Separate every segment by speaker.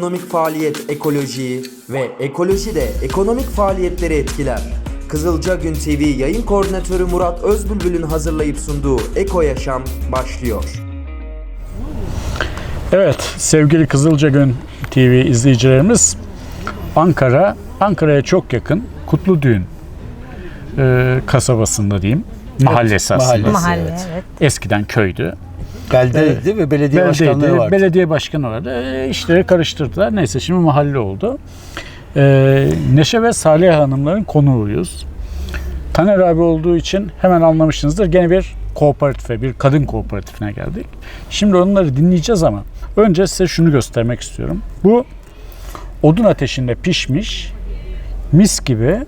Speaker 1: ekonomik faaliyet ekolojiyi ve ekoloji de ekonomik faaliyetleri etkiler. Kızılca Gün TV yayın koordinatörü Murat Özbülbül'ün hazırlayıp sunduğu Eko Yaşam başlıyor.
Speaker 2: Evet, sevgili Kızılca Gün TV izleyicilerimiz, Ankara'ya çok yakın Kutludüğün kasabasında diyeyim. Mahallesi aslında.
Speaker 3: Mahalle, evet.
Speaker 2: Eskiden köydü.
Speaker 4: Beldeydi ve belediye başkanlığı vardı.
Speaker 2: Belediye başkanı vardı. İşleri karıştırdılar. Neyse şimdi mahalle oldu. Neşe ve Salih Hanımların konuğuyuz. Taner abi olduğu için hemen anlamışsınızdır. Gene bir kooperatife, bir kadın kooperatifine geldik. Şimdi onları dinleyeceğiz ama önce size şunu göstermek istiyorum. Bu odun ateşinde pişmiş mis gibi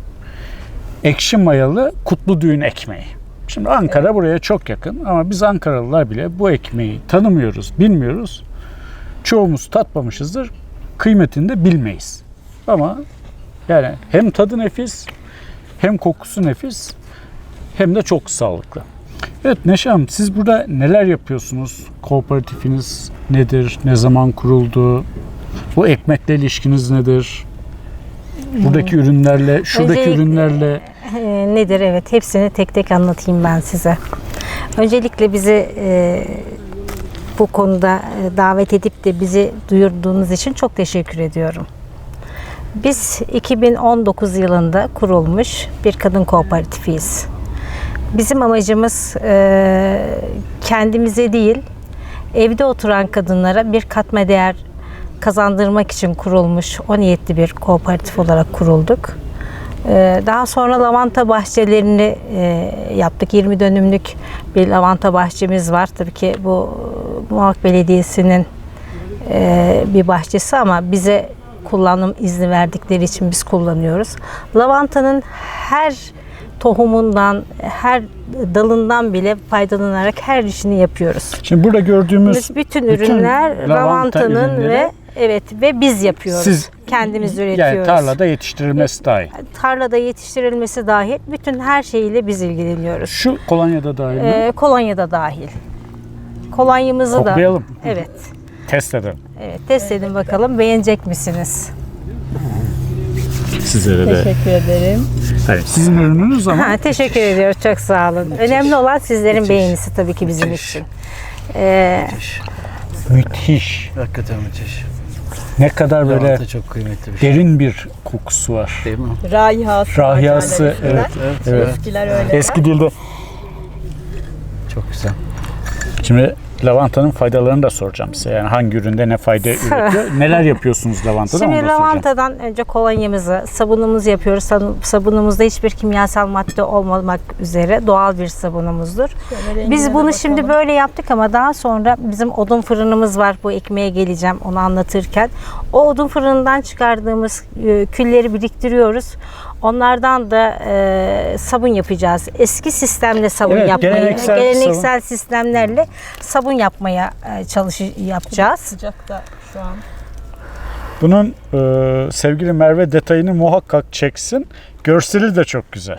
Speaker 2: ekşi mayalı Kutludüğün ekmeği. Şimdi Ankara buraya çok yakın ama biz Ankaralılar bile bu ekmeği tanımıyoruz, bilmiyoruz. Çoğumuz tatmamışızdır, kıymetini de bilmeyiz. Ama yani hem tadı nefis, hem kokusu nefis, hem de çok sağlıklı. Evet Neşe Hanım, siz burada neler yapıyorsunuz? Kooperatifiniz nedir? Ne zaman kuruldu? Bu ekmekle ilişkiniz nedir? Buradaki ürünlerle, şuradaki ürünlerle...
Speaker 3: Nedir? Evet, hepsini tek tek anlatayım ben size. Öncelikle bizi bu konuda davet edip de bizi duyurduğunuz için çok teşekkür ediyorum. Biz 2019 yılında kurulmuş bir kadın kooperatifiyiz. Bizim amacımız kendimize değil, evde oturan kadınlara bir katma değer kazandırmak için kurulmuş, o niyetli bir kooperatif olarak kurulduk. Daha sonra lavanta bahçelerini yaptık. 20 dönümlük bir lavanta bahçemiz var. Tabii ki bu Muğlak Belediyesi'nin bir bahçesi ama bize kullanım izni verdikleri için biz kullanıyoruz. Lavantanın her tohumundan, her dalından bile faydalanarak her işini yapıyoruz.
Speaker 2: Şimdi burada gördüğümüz
Speaker 3: biz bütün ürünler lavantanın ve biz yapıyoruz.
Speaker 2: Siz
Speaker 3: kendimiz üretiyoruz.
Speaker 2: Yani tarlada yetiştirilmesi dahil.
Speaker 3: Tarlada yetiştirilmesi dahil bütün her şeyiyle biz ilgileniyoruz.
Speaker 2: Şu kolonyada dahil mi?
Speaker 3: Kolonyada dahil. Kolonyamızı
Speaker 2: koklayalım.
Speaker 3: da evet.
Speaker 2: Test edelim.
Speaker 3: Evet, test edin bakalım, beğenecek misiniz?
Speaker 2: Sizlere de.
Speaker 3: Teşekkür ederim.
Speaker 2: Evet, sizin ürününüz ama.
Speaker 3: Teşekkür ediyoruz, çok sağ olun. Önemli olan sizlerin beğenisi tabii ki bizim için.
Speaker 2: Müthiş.
Speaker 4: Hakikaten müthiş.
Speaker 2: Ne kadar böyle
Speaker 4: Lavanta çok kıymetli bir şey.
Speaker 2: derin bir kokusu var.
Speaker 4: Değil mi?
Speaker 2: Rahiyası, evet.
Speaker 5: Eskiler öyle.
Speaker 2: Eski dilde.
Speaker 4: Çok güzel.
Speaker 2: Şimdi lavantanın faydalarını da soracağım size. Yani hangi üründe ne fayda üretiyor? Neler yapıyorsunuz lavantadan?
Speaker 3: Şimdi
Speaker 2: onu da soracağım.
Speaker 3: lavantadan önce kolonyamızı, sabunumuzu yapıyoruz. Sabunumuzda hiçbir kimyasal madde olmamak üzere doğal bir sabunumuzdur. Biz bunu şimdi böyle yaptık ama daha sonra bizim odun fırınımız var. Bu ekmeğe geleceğim onu anlatırken. O odun fırınından çıkardığımız külleri biriktiriyoruz. Onlardan da sabun yapacağız. Eski sistemle sabun geleneksel sistemlerle sabun yapmaya yapacağız.
Speaker 5: Sıcakta şu an.
Speaker 2: Bunun sevgili Merve detayını muhakkak çeksin. Görseli de çok güzel.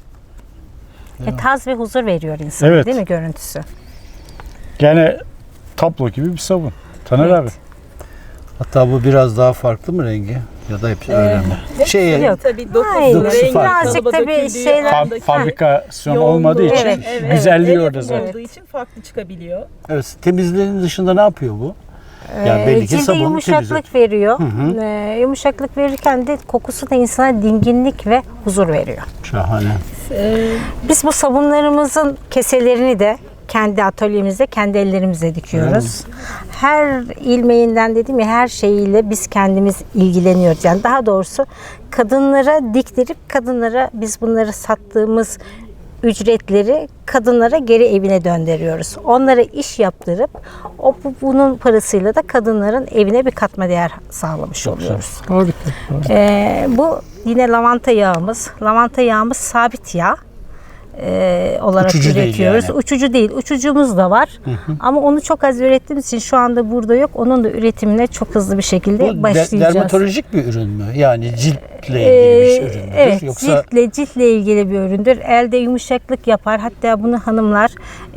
Speaker 5: Evet.
Speaker 3: Taz ve huzur veriyor insana,
Speaker 2: Evet.
Speaker 3: değil mi görüntüsü?
Speaker 2: Yani tablo gibi bir sabun. Taner abi.
Speaker 4: Hatta bu biraz daha farklı mı rengi? Ya da hepsi öyle mi?
Speaker 3: Yok.
Speaker 5: Tabii
Speaker 3: Aynen.
Speaker 4: dokusu farklı.
Speaker 3: Birazcık tabii şeyler...
Speaker 2: Fabrikasyon olmadığı için güzelliği orada zaten.
Speaker 5: olduğu için farklı çıkabiliyor.
Speaker 4: Evet, temizliğinin dışında ne yapıyor bu? Yani belli ki
Speaker 3: Cilde
Speaker 4: sabun
Speaker 3: yumuşaklık veriyor. Yumuşaklık verirken de kokusu da insana dinginlik ve huzur veriyor.
Speaker 4: Şahane.
Speaker 3: Biz bu sabunlarımızın keselerini de kendi atölyemizde, kendi ellerimizle dikiyoruz. Her ilmeğinden dediğim ya her şeyiyle biz kendimiz ilgileniyoruz. Yani daha doğrusu kadınlara diktirip kadınlara biz bunları sattığımız ücretleri kadınlara geri evine döndürüyoruz. Onlara iş yaptırıp bunun parasıyla da kadınların evine bir katma değer sağlamış oluyoruz. Bu yine lavanta yağımız. Lavanta yağımız sabit yağ. Olarak
Speaker 4: Uçucu
Speaker 3: üretiyoruz.
Speaker 4: değil yani.
Speaker 3: Uçucu değil. Uçucumuz da var. Ama onu çok az ürettiğimiz için şu anda burada yok. Onun da üretimine çok hızlı bir şekilde
Speaker 4: Bu
Speaker 3: başlayacağız.
Speaker 4: dermatolojik bir ürün mü? Yani cilt ciltle ilgili bir üründür.
Speaker 3: Evet,
Speaker 4: Yoksa
Speaker 3: ciltle ilgili bir üründür. Elde yumuşaklık yapar. Hatta bunu hanımlar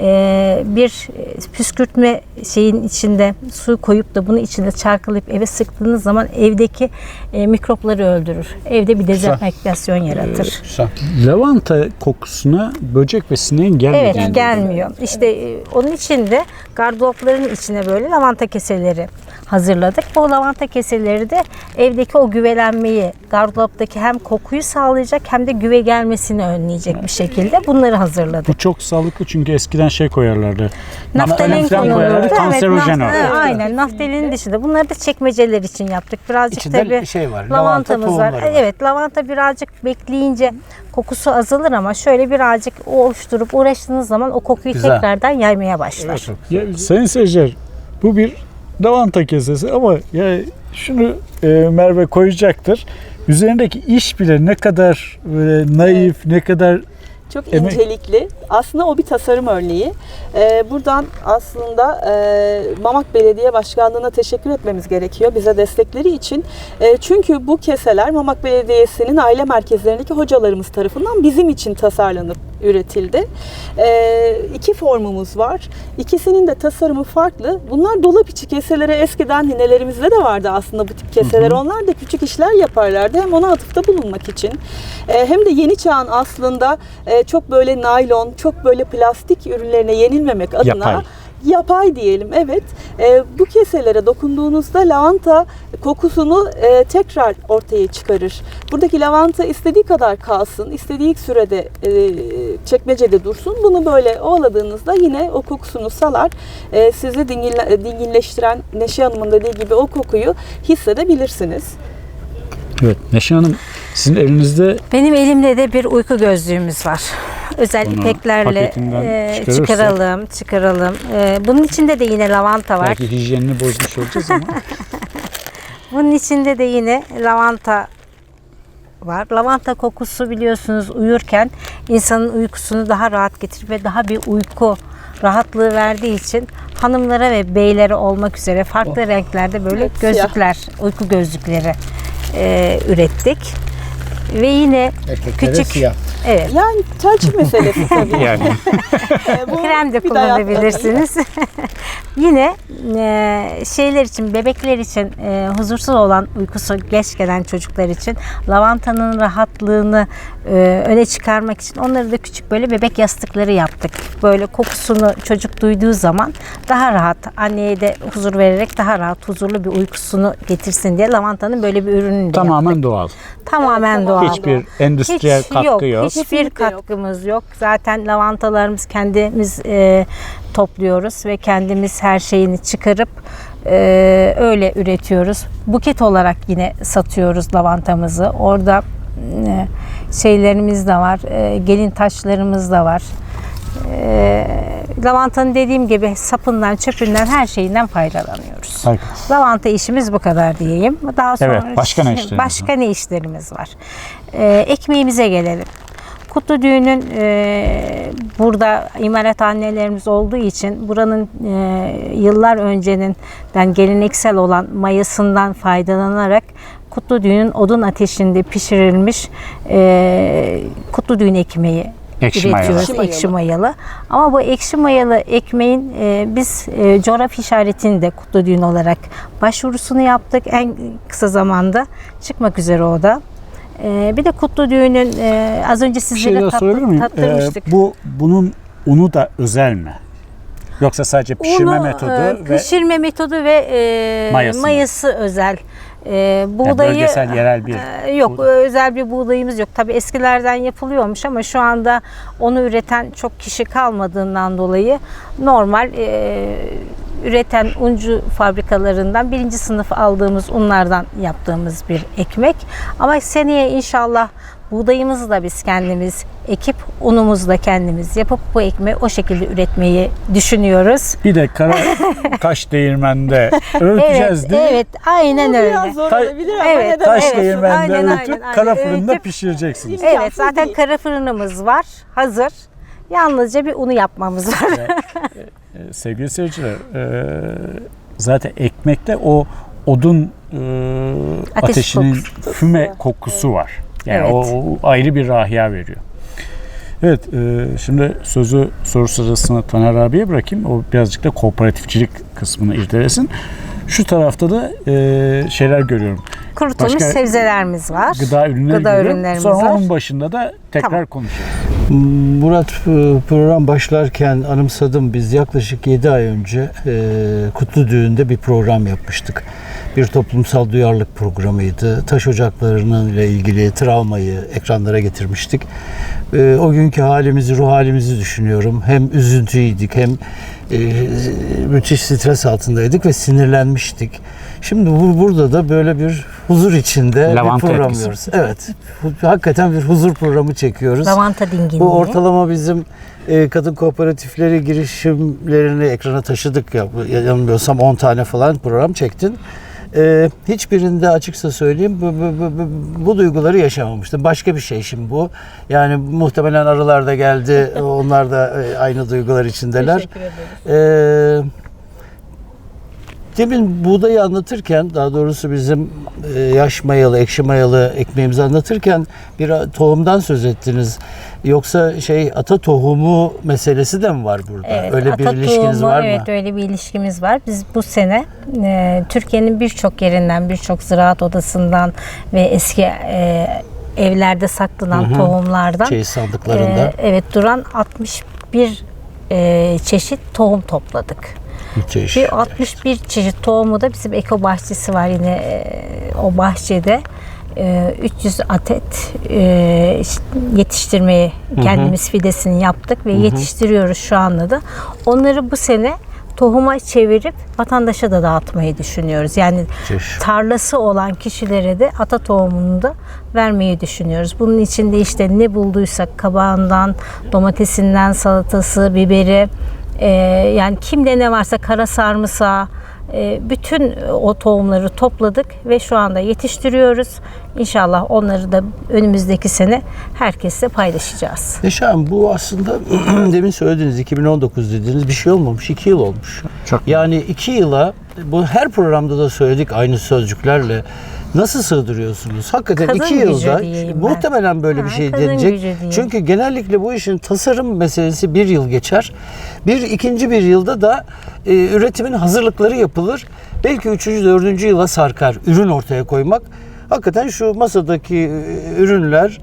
Speaker 3: bir püskürtme şeyin içinde su koyup da bunu içinde çarkılayıp eve sıktığınız zaman evdeki mikropları öldürür. Evde bir dezenfektasyon yaratır.
Speaker 4: güzel.
Speaker 2: Lavanta kokusuna böcek ve sineğin gelmediğini.
Speaker 3: Evet, gelmiyor. İşte onun için de gardıropların içine böyle lavanta keseleri hazırladık. Bu lavanta keseleri de evdeki o güvelenmeyi, gardıroptaki hem kokuyu sağlayacak hem de güve gelmesini önleyecek bir şekilde bunları hazırladık.
Speaker 2: Bu çok sağlıklı çünkü eskiden şey koyarlardı.
Speaker 3: Naftalin
Speaker 2: falan koyarlar,
Speaker 3: konulurdu.
Speaker 2: kanserojen o.
Speaker 3: Aynen, naftalinin dışında. Bunları da çekmeceler için yaptık. Birazcık
Speaker 4: İçinde
Speaker 3: tabii
Speaker 4: şey var,
Speaker 3: lavantamız
Speaker 4: lavanta
Speaker 3: var.
Speaker 4: tohumları var.
Speaker 3: Evet, lavanta birazcık bekleyince kokusu azalır ama şöyle birazcık oluşturup uğraştığınız zaman o kokuyu
Speaker 4: Güzel.
Speaker 3: tekrardan yaymaya başlar.
Speaker 2: Ya, sayın seyirciler, bu bir lavanta kesesi ama ya şunu Merve koyacaktır. Üzerindeki iş bile ne kadar böyle naif, ne kadar
Speaker 5: Çok
Speaker 2: Emek-
Speaker 5: incelikli. Aslında o bir tasarım örneği. Buradan aslında Mamak Belediye Başkanlığı'na teşekkür etmemiz gerekiyor bize destekleri için. Çünkü bu keseler Mamak Belediyesi'nin aile merkezlerindeki hocalarımız tarafından bizim için tasarlanıp üretildi. İki formumuz var. İkisinin de tasarımı farklı. Bunlar dolap içi keseleri eskiden ninelerimizde de vardı aslında bu tip keseler. Onlar da küçük işler yaparlardı. Hem ona atıfta bulunmak için hem de yeni çağın aslında çok böyle naylon, çok böyle plastik ürünlerine yenilmemek adına yapay diyelim, evet. Bu keselere dokunduğunuzda lavanta kokusunu tekrar ortaya çıkarır. Buradaki lavanta istediği kadar kalsın, istediği sürede çekmecede dursun. Bunu böyle ovaladığınızda yine o kokusunu salar. Sizi dinginleştiren Neşe Hanım'ın dediği gibi o kokuyu hissedebilirsiniz.
Speaker 2: evet. Neşe Hanım, sizin elinizde
Speaker 3: Benim elimde de bir uyku gözlüğümüz var. Özel
Speaker 2: Bunu
Speaker 3: ipeklerle
Speaker 2: paketinden çıkarırsak-
Speaker 3: çıkaralım. Bunun içinde de yine lavanta var.
Speaker 2: belki hijyenini bozmuş olacağız ama
Speaker 3: Bunun içinde de yine lavanta var. Lavanta kokusu biliyorsunuz uyurken insanın uykusunu daha rahat getirir ve daha bir uyku rahatlığı verdiği için hanımlara ve beylere olmak üzere farklı renklerde böyle
Speaker 5: Evet,
Speaker 3: gözlükler, uyku gözlükleri ürettik. Ve yine
Speaker 4: Erkeklere
Speaker 3: küçük
Speaker 4: siyah.
Speaker 3: evet,
Speaker 5: Yani tercih meselesi tabii.
Speaker 2: yani
Speaker 5: Bu
Speaker 3: krem de
Speaker 5: bir dayatma.
Speaker 3: kullanabilirsiniz. Yine şeyler için, bebekler için huzursuz olan uykusu geç gelen çocuklar için lavantanın rahatlığını öne çıkarmak için onları da küçük böyle bebek yastıkları yaptık. Böyle kokusunu çocuk duyduğu zaman daha rahat, anneye de huzur vererek daha rahat, huzurlu bir uykusunu getirsin diye lavantanın böyle bir ürününü de yaptık.
Speaker 2: tamamen doğal.
Speaker 3: Tamamen
Speaker 5: Evet,
Speaker 3: doğal.
Speaker 5: tamam.
Speaker 2: Hiçbir endüstriyel katkı yok.
Speaker 3: Hiçbir
Speaker 5: Kesinlikle yok.
Speaker 3: katkımız yok. Zaten lavantalarımız kendimiz topluyoruz ve kendimiz her şeyini çıkarıp öyle üretiyoruz. Buket olarak yine satıyoruz lavantamızı. Orada şeylerimiz de var. Gelin taşlarımız da var. Lavantanın dediğim gibi sapından, çöpünden, her şeyinden faydalanıyoruz.
Speaker 2: Harika.
Speaker 3: Lavanta işimiz bu kadar diyeyim. Daha sonra
Speaker 2: Evet, başka ne işleriniz var?
Speaker 3: başka ne işlerimiz var? Ekmeğimize gelelim. Kutlu Düğün'ün burada imalathanelerimiz olduğu için buranın yıllar önceden geleneksel olan mayasından faydalanarak Kutlu Düğün'ün odun ateşinde pişirilmiş Kutlu Düğün ekmeği
Speaker 2: Ekşi mayalı.
Speaker 3: üretiyoruz. Ekşi mayalı. Ama bu ekşi mayalı ekmeğin biz coğrafi işaretini de Kutlu Düğün olarak başvurusunu yaptık. En kısa zamanda çıkmak üzere o da. Bir de Kutlu Düğün'ün az önce
Speaker 2: Bir şey
Speaker 3: sizlere
Speaker 2: daha sorabilir miyim?
Speaker 3: tattırmıştık.
Speaker 2: Bunun unu da özel mi? Yoksa sadece pişirme
Speaker 3: Unu,
Speaker 2: metodu ve
Speaker 3: pişirme metodu ve
Speaker 2: Mayası mı?
Speaker 3: mayası özel.
Speaker 2: yani
Speaker 3: Buğdayı
Speaker 2: bölgesel, yerel bir
Speaker 3: yok,
Speaker 2: buğday.
Speaker 3: özel bir buğdayımız yok. Tabii eskilerden yapılıyormuş ama şu anda onu üreten çok kişi kalmadığından dolayı normal üreten uncu fabrikalarından birinci sınıf aldığımız unlardan yaptığımız bir ekmek. Ama seneye inşallah buğdayımızı da biz kendimiz ekip unumuzu da kendimiz yapıp bu ekmeği o şekilde üretmeyi düşünüyoruz.
Speaker 2: Bir de kara taş değirmende öğüteceğiz
Speaker 3: Evet,
Speaker 2: değil mi?
Speaker 3: evet, aynen
Speaker 5: Bu
Speaker 3: öyle.
Speaker 5: biraz zor
Speaker 2: Ta-
Speaker 5: olabilir ama
Speaker 3: Evet,
Speaker 5: neden
Speaker 2: Taş
Speaker 5: olmasın?
Speaker 2: değirmende
Speaker 3: Aynen,
Speaker 2: öğütüp
Speaker 3: aynen.
Speaker 2: kara fırında
Speaker 3: Öğütüp-
Speaker 2: pişireceksiniz.
Speaker 3: Evet,
Speaker 5: İmkansız
Speaker 3: zaten
Speaker 5: değil.
Speaker 3: kara fırınımız var, hazır. Yalnızca bir unu yapmamız var.
Speaker 2: Sevgili seyirciler, zaten ekmekte o odun ateşinin
Speaker 3: kokusu.
Speaker 2: füme kokusu var. Yani
Speaker 3: Evet.
Speaker 2: o ayrı bir rahiya veriyor. Evet, şimdi sözü soru sırasına Taner abiye bırakayım. O birazcık da kooperatifçilik kısmını irdelesin. Şu tarafta da şeyler görüyorum.
Speaker 3: Kurutulmuş
Speaker 2: Başka
Speaker 3: sebzelerimiz var.
Speaker 2: Gıda ürünleri
Speaker 3: Gıda
Speaker 2: görüyorum.
Speaker 3: ürünlerimiz
Speaker 2: Sonra
Speaker 3: var.
Speaker 2: onun başında da tekrar
Speaker 3: Tamam.
Speaker 2: konuşacağız.
Speaker 4: Murat, program başlarken anımsadım, biz yaklaşık 7 ay önce Kutlu Düğün'de bir program yapmıştık. Bir toplumsal duyarlılık programıydı. Taş ocaklarının ile ilgili travmayı ekranlara getirmiştik. O günkü halimizi, ruh halimizi düşünüyorum. Hem üzüntüydük hem müthiş stres altındaydık ve sinirlenmiştik. Şimdi burada da böyle bir huzur içinde
Speaker 2: Lavanta
Speaker 4: bir program
Speaker 2: etkisi.
Speaker 4: yapıyoruz. Evet. Hakikaten bir huzur programı çekiyoruz.
Speaker 3: Lavanta dinginliği.
Speaker 4: Bu ortalama bizim kadın kooperatifleri girişimlerini ekrana taşıdık ya. Yanılmıyorsam 10 tane falan program çektin. Hiçbirinde açıkça söyleyeyim bu duyguları yaşamamıştım. Başka bir şey şimdi bu. Yani muhtemelen arılar da geldi. Onlar da aynı duygular içindeler.
Speaker 5: Teşekkür ederiz.
Speaker 4: Demin buğdayı anlatırken, daha doğrusu bizim yaş mayalı, ekşi mayalı ekmeğimizi anlatırken bir tohumdan söz ettiniz. Yoksa ata tohumu meselesi de mi var burada?
Speaker 3: Evet,
Speaker 4: Öyle bir
Speaker 3: ata
Speaker 4: ilişkiniz
Speaker 3: tohumu,
Speaker 4: var mı?
Speaker 3: Evet, öyle bir ilişkimiz var. Biz bu sene Türkiye'nin birçok yerinden, birçok ziraat odasından ve eski evlerde saklanan tohumlardan
Speaker 4: Sandıklarında.
Speaker 3: evet duran 61 çeşit tohum topladık.
Speaker 4: Müthiş.
Speaker 3: Bir 61 çeşit tohumu da bizim eko bahçesi var yine o bahçede. 300 adet yetiştirmeyi kendimiz fidesini yaptık ve yetiştiriyoruz şu anda da. Onları bu sene tohuma çevirip vatandaşa da dağıtmayı düşünüyoruz. Yani tarlası olan kişilere de ata tohumunu da vermeyi düşünüyoruz. Bunun içinde işte ne bulduysak kabağından, domatesinden, salatası, biberi, yani kimde ne varsa kara sarımsağı, bütün o tohumları topladık ve şu anda yetiştiriyoruz. İnşallah onları da önümüzdeki sene herkesle paylaşacağız.
Speaker 4: Neşe Hanım, bu aslında demin söylediğiniz 2019 dediğiniz bir şey olmamış. 2 yıl olmuş. Yani 2 yıla, bu her programda da söyledik aynı sözcüklerle. Nasıl sığdırıyorsunuz? Hakikaten
Speaker 3: Kadın
Speaker 4: 2
Speaker 3: gücü
Speaker 4: yılda
Speaker 3: diyeyim ben.
Speaker 4: muhtemelen böyle bir şey
Speaker 3: kadın
Speaker 4: denecek.
Speaker 3: gücü diyeyim.
Speaker 4: Çünkü genellikle bu işin tasarım meselesi 1 yıl geçer. İkinci bir yılda da üretimin hazırlıkları yapılır. Belki 3. 4. yıla sarkar ürün ortaya koymak. Hakikaten şu masadaki ürünler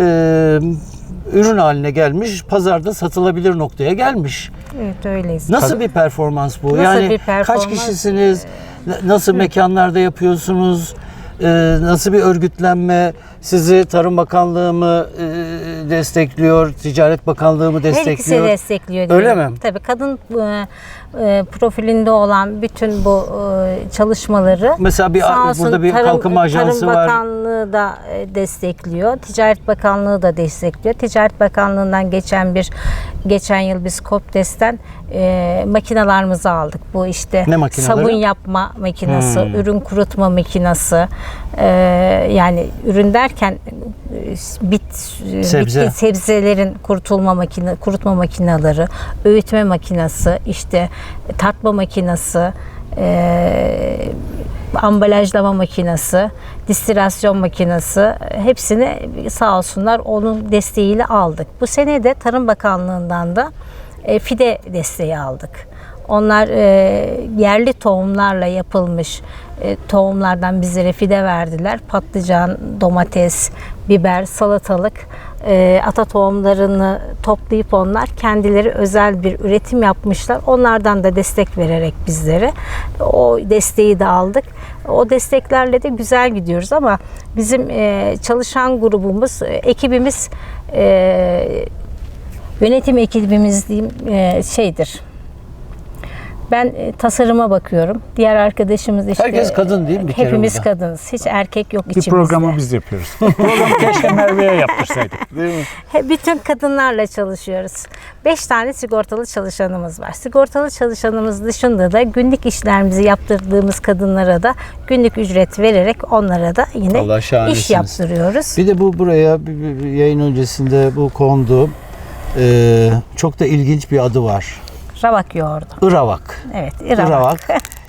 Speaker 4: ürün haline gelmiş, pazarda satılabilir noktaya gelmiş.
Speaker 3: Evet, öyleyiz.
Speaker 4: Nasıl bir performans bu?
Speaker 3: Nasıl
Speaker 4: Yani
Speaker 3: bir performans?
Speaker 4: kaç kişisiniz? Nasıl mekanlarda yapıyorsunuz? Nasıl bir örgütlenme? Sizi Tarım Bakanlığı mı destekliyor? Ticaret Bakanlığı mı
Speaker 3: Her ikisi
Speaker 4: destekliyor?
Speaker 3: destekliyor.
Speaker 4: Öyle
Speaker 3: diyelim.
Speaker 4: mi?
Speaker 3: Tabii kadın profilinde olan bütün bu çalışmaları
Speaker 4: Mesela
Speaker 3: sağ olsun
Speaker 4: burada bir kalkınma ajansı
Speaker 3: Tarım
Speaker 4: var.
Speaker 3: Bakanlığı da destekliyor. Ticaret Bakanlığı da destekliyor. Ticaret Bakanlığı'ndan geçen yıl biz Kopdes'ten makinalarımızı aldık. Bu işte
Speaker 4: Ne makineleri?
Speaker 3: sabun yapma makinesi, ürün kurutma makinesi, yani ürün derken
Speaker 4: Sebze.
Speaker 3: bitki sebzelerin kurutma makineleri, öğütme makinesi, işte tartma makinesi, ambalajlama makinesi, distilasyon makinesi, hepsini sağ olsunlar onun desteğiyle aldık. Bu sene de Tarım Bakanlığı'ndan da fide desteği aldık. Onlar yerli tohumlarla yapılmış tohumlardan bizlere fide verdiler. Patlıcan, domates, biber, salatalık ata tohumlarını toplayıp onlar kendileri özel bir üretim yapmışlar. Onlardan da destek vererek bizlere o desteği de aldık. O desteklerle de güzel gidiyoruz ama bizim çalışan grubumuz, ekibimiz, yönetim ekibimiz diyeyim şeydir. Ben tasarıma bakıyorum. Diğer arkadaşımız işte...
Speaker 4: Herkes kadın değil mi bir kere
Speaker 3: Hepimiz
Speaker 4: burada?
Speaker 3: kadınız. Hiç erkek yok
Speaker 2: Bir
Speaker 3: içimizde.
Speaker 2: programı biz yapıyoruz. Programı keşke Merve'ye yaptırsaydık.
Speaker 4: Değil mi?
Speaker 3: Bütün kadınlarla çalışıyoruz. 5 tane sigortalı çalışanımız var. Sigortalı çalışanımız dışında da günlük işlerimizi yaptırdığımız kadınlara da günlük ücret vererek onlara da yine
Speaker 4: Allah
Speaker 3: iş
Speaker 4: şahanesiniz.
Speaker 3: yaptırıyoruz.
Speaker 4: Bir de buraya bir yayın öncesinde bu kondu. Çok da ilginç bir adı var.
Speaker 3: Ravak yoğurdu.
Speaker 4: Iravak.
Speaker 3: Evet,
Speaker 4: Iravak.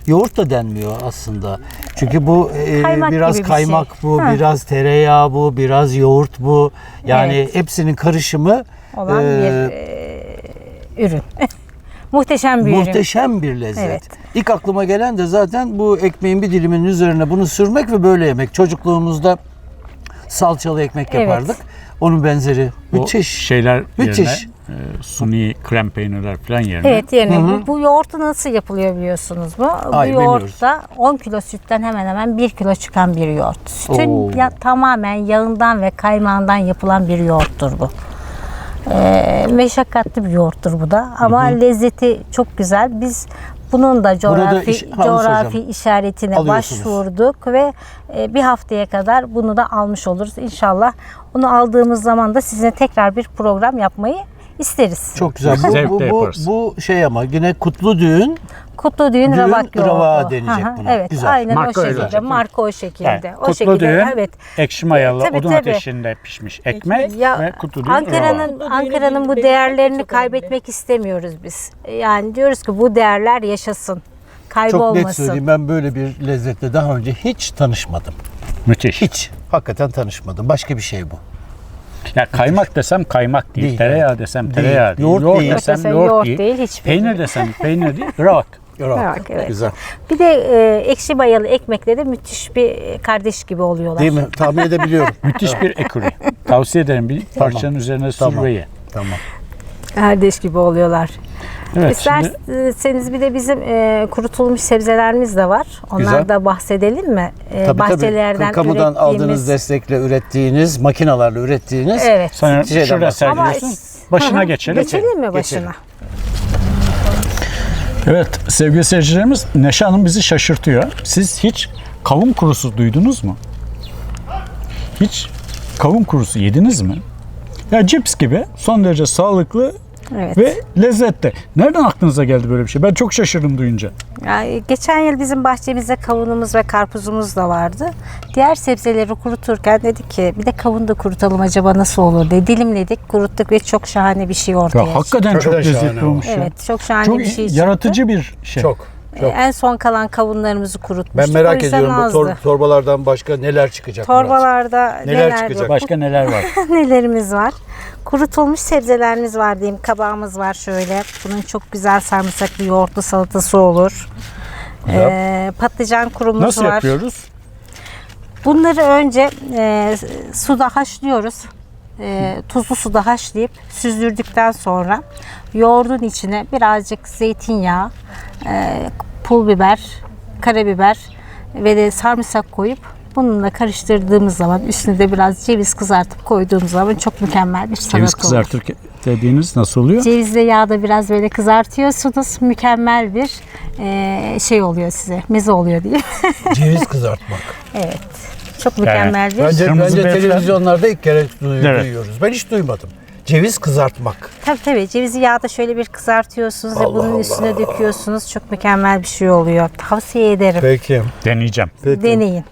Speaker 4: yoğurt da denmiyor aslında. Çünkü bu
Speaker 3: Kaymak
Speaker 4: biraz
Speaker 3: gibi bir
Speaker 4: kaymak
Speaker 3: şey.
Speaker 4: bu,
Speaker 3: Ha.
Speaker 4: biraz tereyağı bu, biraz yoğurt bu. Yani
Speaker 3: Evet.
Speaker 4: hepsinin karışımı
Speaker 3: Olan bir ürün. Muhteşem bir ürün.
Speaker 4: muhteşem bir lezzet.
Speaker 3: Evet.
Speaker 4: İlk aklıma gelen de zaten bu ekmeğin bir diliminin üzerine bunu sürmek ve böyle yemek. Çocukluğumuzda salçalı ekmek
Speaker 3: Evet.
Speaker 4: yapardık. Onun benzeri.
Speaker 2: O
Speaker 4: Müthiş.
Speaker 2: şeyler
Speaker 4: Müthiş.
Speaker 2: yerine suni krem peynirler falan yerine.
Speaker 3: Evet yerine. Bu yoğurtu nasıl yapılıyor biliyorsunuz mu?
Speaker 4: Ay,
Speaker 3: Bu
Speaker 4: bilmiyoruz.
Speaker 3: yoğurtta 10 kilo sütten hemen hemen 1 kilo çıkan bir yoğurt. Sütün
Speaker 4: Oo.
Speaker 3: tamamen yağından ve kaymağından yapılan bir yoğurttur bu. Meşakkatli bir yoğurttur bu da ama lezzeti çok güzel. Biz bunun da coğrafi işaretine
Speaker 4: Alıyorsunuz.
Speaker 3: başvurduk ve bir haftaya kadar bunu da almış oluruz. İnşallah onu aldığımız zaman da sizinle tekrar bir program yapmayı isteriz.
Speaker 4: Çok güzel.
Speaker 2: Zevkle yaparız.
Speaker 4: Bu şey ama yine kutlu düğün.
Speaker 3: Kutlu düğün ravak yoğurdu.
Speaker 4: ravağı denecek
Speaker 3: Hı hı,
Speaker 4: buna.
Speaker 3: Evet,
Speaker 4: Güzel.
Speaker 3: aynen
Speaker 2: Marka
Speaker 3: o
Speaker 2: öyle
Speaker 3: şekilde.
Speaker 2: olacak,
Speaker 3: Marka o şekilde.
Speaker 2: Yani,
Speaker 3: O
Speaker 2: kutlu
Speaker 3: şekilde.
Speaker 2: düğün,
Speaker 3: Evet.
Speaker 2: ekşi mayalı
Speaker 3: Tabii,
Speaker 2: odun
Speaker 3: tabii.
Speaker 2: ateşinde pişmiş ekmek
Speaker 3: Ya
Speaker 2: ve kutlu düğün rava.
Speaker 3: Ankara'nın bu
Speaker 5: benim
Speaker 3: değerlerini
Speaker 5: çok
Speaker 3: kaybetmek istemiyoruz biz. Yani diyoruz ki bu değerler yaşasın.
Speaker 4: Çok net
Speaker 3: Kaybolmasın.
Speaker 4: söyleyeyim, ben böyle bir lezzetle daha önce hiç tanışmadım.
Speaker 2: Müthiş.
Speaker 4: Hiç. Hakikaten tanışmadım. Başka bir şey bu.
Speaker 2: Ya kaymak desem kaymak değil,
Speaker 4: Değil,
Speaker 2: tereyağı desem
Speaker 4: Değil.
Speaker 2: tereyağı değil,
Speaker 4: Yoğurt
Speaker 2: yoğurt
Speaker 4: değil.
Speaker 2: desem
Speaker 3: Desem
Speaker 2: yoğurt,
Speaker 3: yoğurt
Speaker 2: değil,
Speaker 3: değil, hiçbir
Speaker 2: peynir
Speaker 3: değil.
Speaker 2: desem peynir değil, ravak.
Speaker 3: Ravak, evet.
Speaker 4: Güzel.
Speaker 3: Bir de ekşi mayalı ekmekle de müthiş bir kardeş gibi oluyorlar.
Speaker 4: Değil mi? Tahmin edebiliyorum.
Speaker 2: Müthiş bir ekürü. Tavsiye ederim bir parçanın üzerine
Speaker 4: Tamam.
Speaker 2: sür ve ye.
Speaker 4: Tamam.
Speaker 3: Kardeş gibi oluyorlar.
Speaker 2: Evet, şimdi
Speaker 3: İsterseniz bir de bizim kurutulmuş sebzelerimiz de var. Onlar
Speaker 4: Güzel.
Speaker 3: da bahsedelim mi?
Speaker 4: Tabii
Speaker 3: Bahçelerden
Speaker 4: kamudan
Speaker 3: ürettiğimiz.
Speaker 4: aldığınız destekle ürettiğiniz, makinalarla ürettiğiniz.
Speaker 3: Evet.
Speaker 2: sen
Speaker 4: şeyden
Speaker 2: şurada
Speaker 4: bahsediyoruz.
Speaker 2: sergiliyorsun.
Speaker 3: Hı
Speaker 2: Başına
Speaker 3: hı.
Speaker 2: geçelim.
Speaker 3: Geçelim mi başına?
Speaker 4: Geçelim.
Speaker 2: Evet sevgili seyircilerimiz, Neşe Hanım bizi şaşırtıyor. Siz hiç kavun kurusu duydunuz mu? Hiç kavun kurusu yediniz mi? Ya cips gibi son derece sağlıklı
Speaker 3: Evet.
Speaker 2: ve lezzetli. Nereden aklınıza geldi böyle bir şey? Ben çok şaşırdım duyunca.
Speaker 3: Yani geçen yıl bizim bahçemizde kavunumuz ve karpuzumuz da vardı. Diğer sebzeleri kuruturken dedik ki bir de kavun da kurutalım acaba nasıl olur diye dilimledik, kuruttuk ve çok şahane bir şey ortaya
Speaker 2: Ya
Speaker 3: çıktı.
Speaker 2: hakikaten çok
Speaker 4: Hakikaten
Speaker 2: lezzetli
Speaker 4: şahane
Speaker 2: olmuş ya.
Speaker 3: Evet, çok şahane
Speaker 2: Çok
Speaker 3: bir şey çıktı.
Speaker 2: yaratıcı bir şey.
Speaker 4: Çok.
Speaker 3: En son kalan kavunlarımızı kurutmuştuk.
Speaker 4: Ben
Speaker 3: O
Speaker 4: merak
Speaker 3: yüzden
Speaker 4: ediyorum bu
Speaker 3: azdı.
Speaker 4: torbalardan başka neler çıkacak Murat?
Speaker 3: Torbalarda
Speaker 4: Neler çıkacak?
Speaker 2: Başka neler var?
Speaker 3: nelerimiz var? Kurutulmuş sebzelerimiz var diyeyim. Kabağımız var şöyle. Bunun çok güzel sarımsaklı yoğurtlu salatası olur. Patlıcan kurumuz
Speaker 2: Nasıl
Speaker 3: var.
Speaker 2: yapıyoruz?
Speaker 3: Bunları önce suda haşlıyoruz. Tuzlu suda haşlayıp süzdürdükten sonra yoğurdun içine birazcık zeytinyağı, pul biber, karabiber ve de sarımsak koyup bununla karıştırdığımız zaman üstüne de biraz ceviz kızartıp koyduğumuz zaman çok mükemmel bir salata
Speaker 2: Ceviz
Speaker 3: olur.
Speaker 2: kızartır dediğiniz nasıl oluyor?
Speaker 3: Cevizle yağda biraz böyle kızartıyorsunuz. Mükemmel bir şey oluyor size. Meze oluyor diyeyim.
Speaker 4: Ceviz kızartmak.
Speaker 3: Evet. Çok mükemmel bir.
Speaker 4: Bence
Speaker 2: Kırmızı beyefendi-
Speaker 4: televizyonlarda ilk kere
Speaker 2: Evet.
Speaker 4: duyuyoruz. Ben hiç duymadım. Ceviz kızartmak.
Speaker 3: Tabii cevizi yağda şöyle bir kızartıyorsunuz ve bunun üstüne döküyorsunuz. Çok mükemmel bir şey oluyor. Tavsiye ederim.
Speaker 4: Peki.
Speaker 2: Deneyeceğim.
Speaker 3: Deneyin.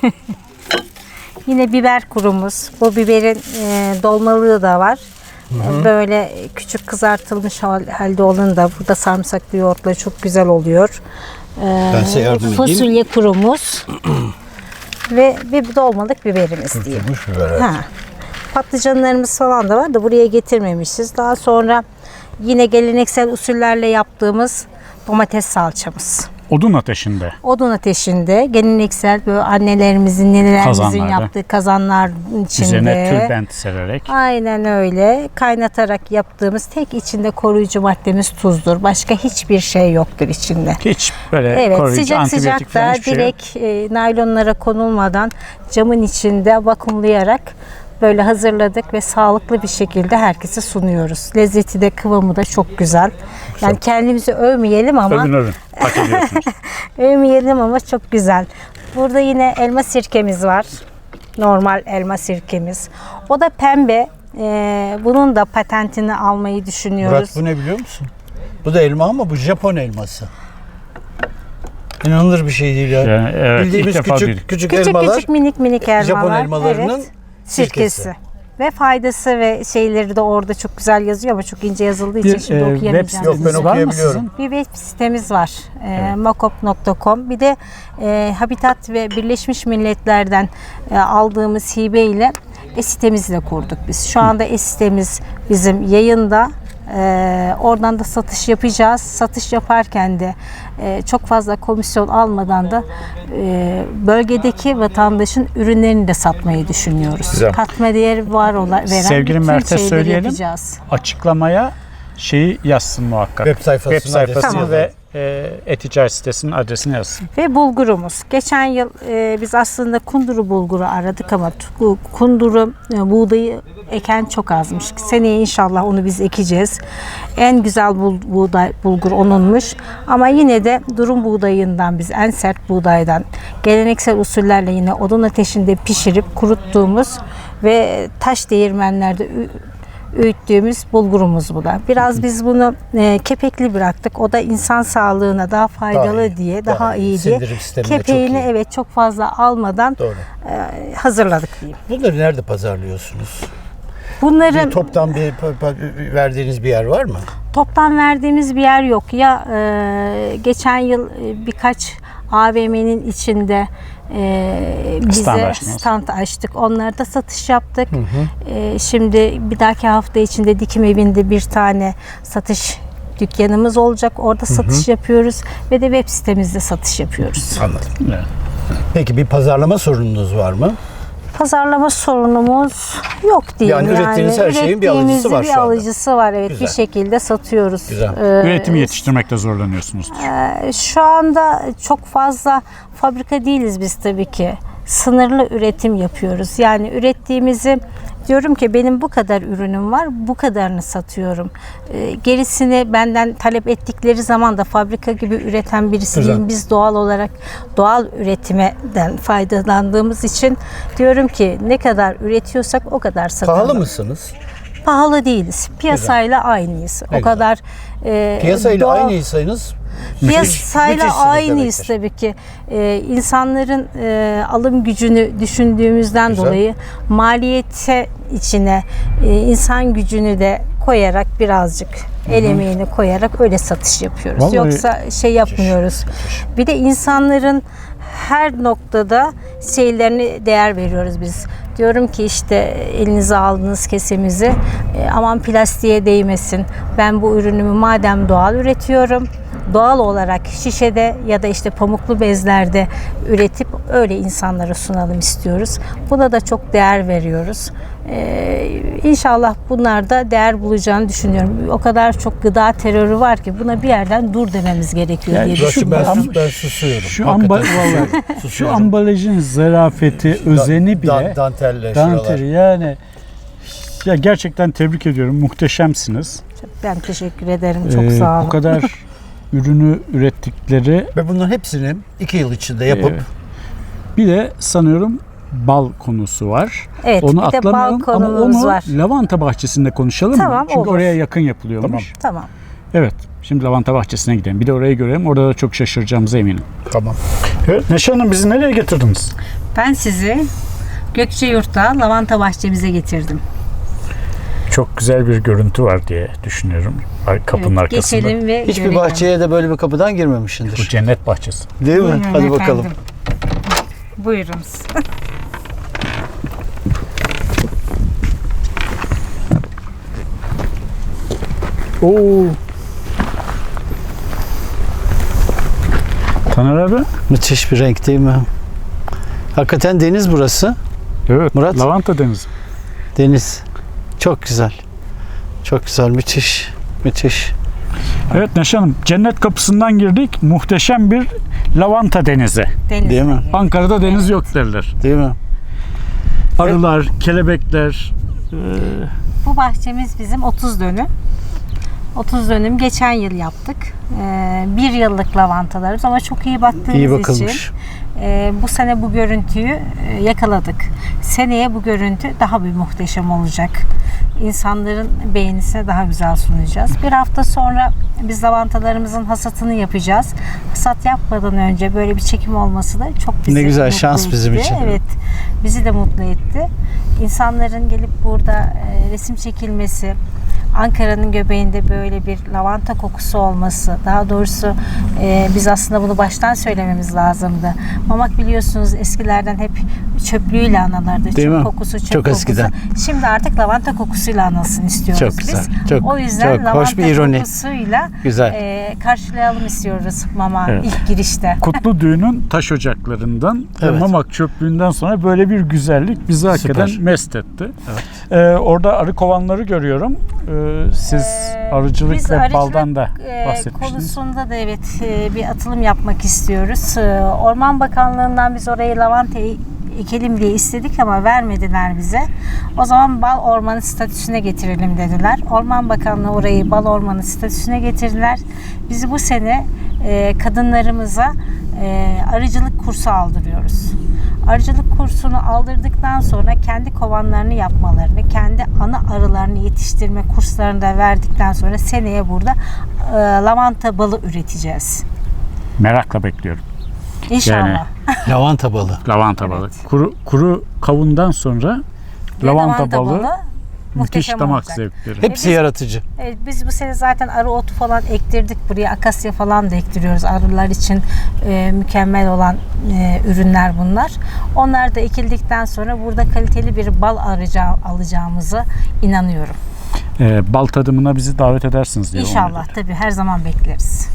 Speaker 3: Yine biber kurumuz. Bu biberin dolmalığı da var. Böyle küçük kızartılmış halde olanı da burada sarımsaklı yoğurtla çok güzel oluyor.
Speaker 4: Ben size yardım edeyim.
Speaker 3: Fasulye kurumuz ve bir dolmalık biberimiz diyeyim.
Speaker 4: Kurutulmuş biber. Evet.
Speaker 3: Ha. Patlıcanlarımız falan da var da buraya getirmemişiz. Daha sonra yine geleneksel usullerle yaptığımız domates salçamız.
Speaker 2: Odun ateşinde.
Speaker 3: Odun ateşinde geleneksel böyle annelerimizin, nenelerimizin
Speaker 2: Kazanlarda.
Speaker 3: yaptığı kazanlar içinde.
Speaker 2: Üzerine tülbent sererek.
Speaker 3: Aynen öyle. Kaynatarak yaptığımız tek içinde koruyucu maddemiz tuzdur. Başka hiçbir şey yoktur içinde.
Speaker 2: Hiç böyle
Speaker 3: Evet,
Speaker 2: koruyucu,
Speaker 3: sıcak
Speaker 2: antibiyotik
Speaker 3: sıcak
Speaker 2: falan
Speaker 3: da
Speaker 2: hiçbir şey yok.
Speaker 3: direkt naylonlara konulmadan camın içinde vakumlayarak böyle hazırladık ve sağlıklı bir şekilde herkese sunuyoruz. Lezzeti de kıvamı da çok güzel. Yani kendimizi övmeyelim ama
Speaker 2: Övün. Hak ediyorsunuz.
Speaker 3: övmeyelim ama çok güzel. Burada yine elma sirkemiz var. Normal elma sirkemiz. O da pembe. Bunun da patentini almayı düşünüyoruz.
Speaker 4: Murat bu ne biliyor musun? Bu da elma ama bu Japon elması. İnanılır bir şey değil ya.
Speaker 2: Yani evet,
Speaker 4: Bildiğimiz
Speaker 2: ilk defa
Speaker 4: küçük
Speaker 2: duydum.
Speaker 4: küçük
Speaker 3: Küçük
Speaker 4: elmalar.
Speaker 3: küçük minik elmalar.
Speaker 4: Japon elmalarının
Speaker 3: evet. Sirkesi. Ve faydası ve şeyleri de orada çok güzel yazıyor ama çok ince yazıldığı için şimdi
Speaker 2: web
Speaker 3: okuyamayacağım.
Speaker 4: Yok, ben
Speaker 2: siteniz var mı
Speaker 4: okuyabiliyorum.
Speaker 2: sizin?
Speaker 3: Bir web sitemiz var. Makop.com. Bir de Habitat ve Birleşmiş Milletler'den aldığımız hibe ile sitemizi de kurduk biz. Şu anda sitemiz bizim yayında. Oradan da satış yapacağız. Satış yaparken de çok fazla komisyon almadan da bölgedeki vatandaşın ürünlerini de satmayı düşünüyoruz.
Speaker 2: Güzel.
Speaker 3: Katma değeri veren
Speaker 2: Sevgili
Speaker 3: bütün
Speaker 2: Mert'e
Speaker 3: şeyleri
Speaker 2: söyleyelim.
Speaker 3: yapacağız.
Speaker 2: Açıklamaya şeyi yazsın muhakkak.
Speaker 4: Web sayfasına
Speaker 2: Web sayfasını
Speaker 3: Tamam.
Speaker 2: ve e-ticaret sitesinin adresini yazsın.
Speaker 3: Ve bulgurumuz. Geçen yıl biz aslında kunduru bulguru aradık ama bu kunduru buğdayı eken çok azmış. Seneye inşallah onu biz ekeceğiz. En güzel bulgur onunmuş. Ama yine de durum buğdayından biz en sert buğdaydan geleneksel usullerle yine odun ateşinde pişirip kuruttuğumuz ve taş değirmenlerde öğüttüğümüz bulgurumuz bu da. Biraz biz bunu kepekli bıraktık. O da insan sağlığına daha faydalı
Speaker 4: Daha iyi,
Speaker 3: diye,
Speaker 4: daha
Speaker 3: daha
Speaker 4: iyi.
Speaker 3: iyi diye.
Speaker 4: Sindirim sistemine çok
Speaker 3: Kepeğini
Speaker 4: iyi.
Speaker 3: evet çok fazla almadan
Speaker 4: Doğru.
Speaker 3: hazırladık diyeyim.
Speaker 4: Bunları nerede pazarlıyorsunuz?
Speaker 3: Bunların
Speaker 4: Toptan bir verdiğiniz bir yer var mı?
Speaker 3: toptan verdiğimiz bir yer yok. Ya geçen yıl birkaç AVM'nin içinde
Speaker 2: Stand
Speaker 3: bize
Speaker 2: açtınız.
Speaker 3: stand açtık. Onlarda satış yaptık. Şimdi bir dahaki hafta içinde Dikim Evi'nde bir tane satış dükkanımız olacak. Orada satış yapıyoruz ve de web sitemizde satış yapıyoruz.
Speaker 4: Anladım.
Speaker 2: Evet.
Speaker 4: Peki bir pazarlama sorununuz var mı?
Speaker 3: Pazarlama sorunumuz yok diyeyim.
Speaker 4: Yani ürettiğiniz her şeyin bir alıcısı var
Speaker 3: bir
Speaker 4: şu anda.
Speaker 3: alıcısı var evet.
Speaker 4: Güzel.
Speaker 3: Bir şekilde satıyoruz.
Speaker 4: Güzel.
Speaker 2: Üretimi yetiştirmekte zorlanıyorsunuz.
Speaker 3: Şu anda çok fazla fabrika değiliz biz tabii ki. Sınırlı üretim yapıyoruz. Yani ürettiğimizi diyorum ki benim bu kadar ürünüm var, bu kadarını satıyorum. Gerisini benden talep ettikleri zaman da fabrika gibi üreten birisi
Speaker 4: Güzel.
Speaker 3: değilim. Biz doğal olarak doğal üretimden faydalandığımız için diyorum ki ne kadar üretiyorsak o kadar satalım.
Speaker 4: Pahalı mısınız?
Speaker 3: Pahalı değiliz. Piyasayla aynıyız.
Speaker 4: Ne
Speaker 3: o kadar
Speaker 4: Piyasayla
Speaker 3: doğal-
Speaker 4: aynıysanız
Speaker 3: Piyasayla
Speaker 4: müthişsiniz
Speaker 3: aynıyız
Speaker 4: demektir.
Speaker 3: tabii ki. İnsanların alım gücünü düşündüğümüzden
Speaker 4: Güzel.
Speaker 3: dolayı maliyete içine insan gücünü de koyarak birazcık el emeğini koyarak öyle satış yapıyoruz.
Speaker 2: Vallahi-
Speaker 3: Yoksa şey yapmıyoruz. Bir de insanların her noktada şeylerine değer veriyoruz biz. Diyorum ki işte elinize aldığınız kesemizi aman plastiğe değmesin. Ben bu ürünümü madem doğal üretiyorum, doğal olarak şişede ya da işte pamuklu bezlerde üretip öyle insanlara sunalım istiyoruz. Buna da çok değer veriyoruz. İnşallah bunlar da değer bulacağını düşünüyorum. O kadar çok gıda terörü var ki buna bir yerden dur dememiz gerekiyor
Speaker 2: Yani
Speaker 3: diye
Speaker 2: şu
Speaker 3: düşünüyorum.
Speaker 4: Ben susuyorum.
Speaker 2: Şu,
Speaker 4: Hakikaten
Speaker 2: vallahi, şu
Speaker 4: susuyorum.
Speaker 2: ambalajın zarafeti, özeni bile
Speaker 4: Dantelle
Speaker 2: danteri
Speaker 4: şuralar.
Speaker 2: yani ya gerçekten tebrik ediyorum. Muhteşemsiniz.
Speaker 3: Ben teşekkür ederim. Çok sağ olun.
Speaker 2: Bu kadar ürünü ürettikleri
Speaker 4: Ve bunların hepsini 2 yıl içinde yapıp
Speaker 2: bir de sanıyorum bal konusu var.
Speaker 3: Evet,
Speaker 2: Onu
Speaker 3: bir de bal
Speaker 2: atlamayalım ama
Speaker 3: konumuz
Speaker 2: onu
Speaker 3: var.
Speaker 2: lavanta bahçesinde konuşalım
Speaker 3: Tamam,
Speaker 2: mı? Çünkü
Speaker 3: olur.
Speaker 2: oraya yakın yapılıyormuş.
Speaker 3: Tamam.
Speaker 2: Evet. Şimdi lavanta bahçesine gidelim. Bir de orayı görelim. Orada da çok şaşıracağımıza eminim.
Speaker 4: tamam.
Speaker 2: Evet. Neşe Hanım bizi nereye getirdiniz?
Speaker 3: Ben sizi Gökçeyurt'ta lavanta bahçemize getirdim.
Speaker 2: Çok güzel bir görüntü var diye düşünüyorum. Kapının
Speaker 3: Evet,
Speaker 2: arkasında.
Speaker 3: geçelim ve
Speaker 4: Hiçbir
Speaker 3: görelim.
Speaker 4: bahçeye de böyle bir kapıdan
Speaker 2: Bu
Speaker 4: girmemişsindir.
Speaker 2: cennet bahçesi.
Speaker 4: Değil mi?
Speaker 3: Buyurun
Speaker 4: Hadi bakalım.
Speaker 3: efendim. Buyurunuz.
Speaker 2: Oo. Taner abi.
Speaker 4: Müthiş bir renk değil mi? Hakikaten deniz burası.
Speaker 2: Evet.
Speaker 4: Murat?
Speaker 2: Lavanta denizi.
Speaker 4: Deniz. Çok güzel. Çok güzel. Müthiş. Müthiş.
Speaker 2: Evet Neşe Hanım. Cennet kapısından girdik. Muhteşem bir lavanta denizi.
Speaker 3: Deniz.
Speaker 4: Değil mi?
Speaker 2: Ankara'da deniz yok derler.
Speaker 4: Değil mi?
Speaker 2: Arılar, kelebekler.
Speaker 3: Bu bahçemiz bizim 30 dönüm. 30 dönüm geçen yıl yaptık. Bir yıllık lavantalarımız ama çok iyi baktığımız
Speaker 4: İyi
Speaker 3: için
Speaker 4: bakılmış.
Speaker 3: bu sene bu görüntüyü yakaladık. Seneye bu görüntü daha bir muhteşem olacak. insanların beğenisine daha güzel sunacağız. Bir hafta sonra biz lavantalarımızın hasatını yapacağız. Hasat yapmadan önce böyle bir çekim olması da çok bizi
Speaker 4: Ne güzel,
Speaker 3: mutlu
Speaker 4: şans
Speaker 3: etti.
Speaker 4: bizim için.
Speaker 3: Evet, bizi de mutlu etti. İnsanların gelip burada resim çekilmesi, Ankara'nın göbeğinde böyle bir lavanta kokusu olması, daha doğrusu biz aslında bunu baştan söylememiz lazımdı. Mamak biliyorsunuz eskilerden hep çöplüğüyle anılırdı.
Speaker 4: Değil
Speaker 3: Çöp
Speaker 4: mi?
Speaker 3: kokusu, çöp
Speaker 4: Çok
Speaker 3: kokusu.
Speaker 4: eskiden.
Speaker 3: Şimdi artık lavanta kokusuyla anılsın istiyoruz
Speaker 4: Çok
Speaker 3: biz.
Speaker 4: güzel, çok-
Speaker 3: O yüzden
Speaker 4: çok
Speaker 3: lavanta
Speaker 4: hoş bir ironi.
Speaker 3: kokusuyla
Speaker 4: Güzel.
Speaker 3: karşılayalım istiyoruz Mama
Speaker 2: Evet.
Speaker 3: ilk girişte.
Speaker 2: Kutlu Düğün'ün taş ocaklarından ve
Speaker 4: Evet.
Speaker 2: Mamak çöplüğünden sonra böyle bir güzellik bizi hakikaten
Speaker 4: Süper.
Speaker 2: mest etti. Orada arı kovanları görüyorum. Siz arıcılık
Speaker 3: Biz
Speaker 2: ve
Speaker 3: arıcılık,
Speaker 2: baldan da
Speaker 3: e,
Speaker 2: bahsetmiştiniz.
Speaker 3: konusunda da evet bir atılım yapmak istiyoruz. Orman Bakanlığı'ndan biz orayı lavanta ekelim diye istedik ama vermediler bize. O zaman bal ormanı statüsüne getirelim dediler. Orman Bakanlığı orayı bal ormanı statüsüne getirdiler. Bizi bu sene kadınlarımıza arıcılık kursu aldırıyoruz. Arıcılık kursunu aldırdıktan sonra kendi kovanlarını yapmalarını, kendi ana arılarını yetiştirme kurslarını da verdikten sonra seneye burada lavanta balı üreteceğiz.
Speaker 2: Merakla bekliyorum.
Speaker 3: İnşallah.
Speaker 4: Lavanta balı.
Speaker 2: Lavanta balı. Kuru kavundan sonra
Speaker 3: Ve
Speaker 2: lavanta balı müthiş
Speaker 3: muhteşem
Speaker 2: damak
Speaker 3: olacak.
Speaker 2: zevkleri.
Speaker 4: Hepsi yaratıcı.
Speaker 3: Evet, biz bu sene zaten arı otu falan ektirdik buraya. Akasya falan da ektiriyoruz. Arılar için mükemmel olan ürünler bunlar. Onlar da ekildikten sonra burada kaliteli bir bal alacağımıza inanıyorum.
Speaker 2: Bal tadımına bizi davet edersiniz diye.
Speaker 3: İnşallah tabii her zaman bekleriz.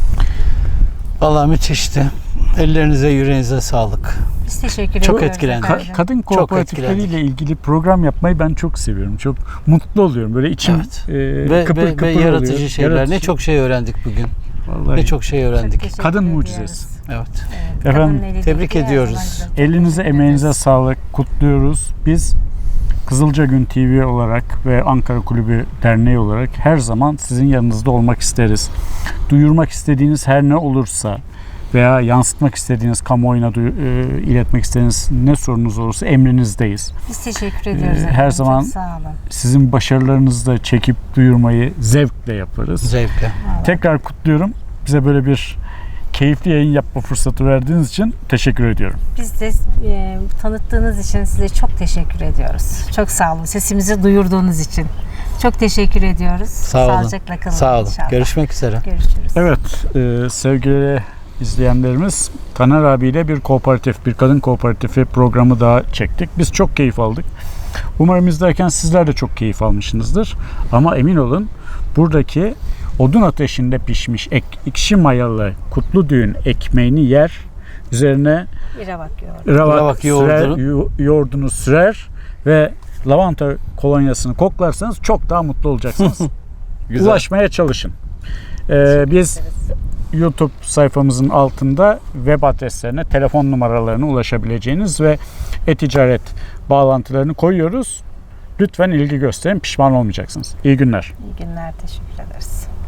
Speaker 4: Vallahi müthişti. Ellerinize, yüreğinize sağlık.
Speaker 3: Biz teşekkür
Speaker 4: Çok
Speaker 3: ediyoruz.
Speaker 4: etkilendik.
Speaker 3: efendim.
Speaker 2: Kadın kooperatifleriyle ilgili program yapmayı ben çok seviyorum. Çok mutlu oluyorum. Böyle içim
Speaker 4: Evet.
Speaker 2: kıpır kıpır
Speaker 4: Ve
Speaker 2: oluyor.
Speaker 4: yaratıcı şeyler. Ne
Speaker 2: Yaratıcı.
Speaker 4: çok şey öğrendik bugün.
Speaker 2: Vallahi.
Speaker 4: Ne çok şey
Speaker 3: Çok
Speaker 4: öğrendik.
Speaker 3: teşekkür
Speaker 2: Kadın
Speaker 3: ediyoruz.
Speaker 2: mucizesi.
Speaker 4: Evet.
Speaker 2: Efendim,
Speaker 3: Kadının eli
Speaker 4: tebrik
Speaker 3: değil, her
Speaker 4: ediyoruz.
Speaker 3: zaman güzel. Çok
Speaker 2: Elinize,
Speaker 3: teşekkür
Speaker 2: emeğinize
Speaker 3: ederiz.
Speaker 2: sağlık. Kutluyoruz. Biz Kızılca Gün TV olarak ve Ankara Kulübü Derneği olarak her zaman sizin yanınızda olmak isteriz. Duyurmak istediğiniz her ne olursa veya yansıtmak istediğiniz, kamuoyuna iletmek istediğiniz ne sorunuz olursa emrinizdeyiz.
Speaker 3: Biz teşekkür ediyoruz.
Speaker 2: Her
Speaker 3: efendim.
Speaker 2: zaman
Speaker 3: Çok sağ olun.
Speaker 2: Sizin başarılarınızı da çekip duyurmayı zevkle yaparız.
Speaker 4: Zevkle.
Speaker 2: Tekrar kutluyorum. Bize böyle bir keyifli yayın yapma fırsatı verdiğiniz için teşekkür ediyorum.
Speaker 3: Biz de tanıttığınız için size çok teşekkür ediyoruz. Çok sağ olun. Sesimizi duyurduğunuz için. Çok teşekkür ediyoruz.
Speaker 4: Sağ olun.
Speaker 3: Sağlıcakla kalın
Speaker 4: Sağ olun.
Speaker 3: inşallah.
Speaker 4: Görüşmek üzere.
Speaker 3: Görüşürüz.
Speaker 2: Evet, sevgili izleyenlerimiz, Taner abiyle bir kooperatif, bir kadın kooperatifi programı daha çektik. Biz çok keyif aldık. Umarım izlerken sizler de çok keyif almışsınızdır. Ama emin olun, buradaki odun ateşinde pişmiş ekşi mayalı Kutlu Düğün ekmeğini yer, üzerine
Speaker 3: İravak yoğurdu.
Speaker 2: ravak
Speaker 4: yoğurdunu.
Speaker 2: yoğurdunu sürer ve lavanta kolonyasını koklarsanız çok daha mutlu olacaksınız.
Speaker 4: Güzel.
Speaker 2: Ulaşmaya çalışın. Biz YouTube sayfamızın altında web adreslerine, telefon numaralarına ulaşabileceğiniz ve e-ticaret bağlantılarını koyuyoruz. Lütfen ilgi gösterin, pişman olmayacaksınız. İyi günler.
Speaker 3: İyi günler. Teşekkür ederiz.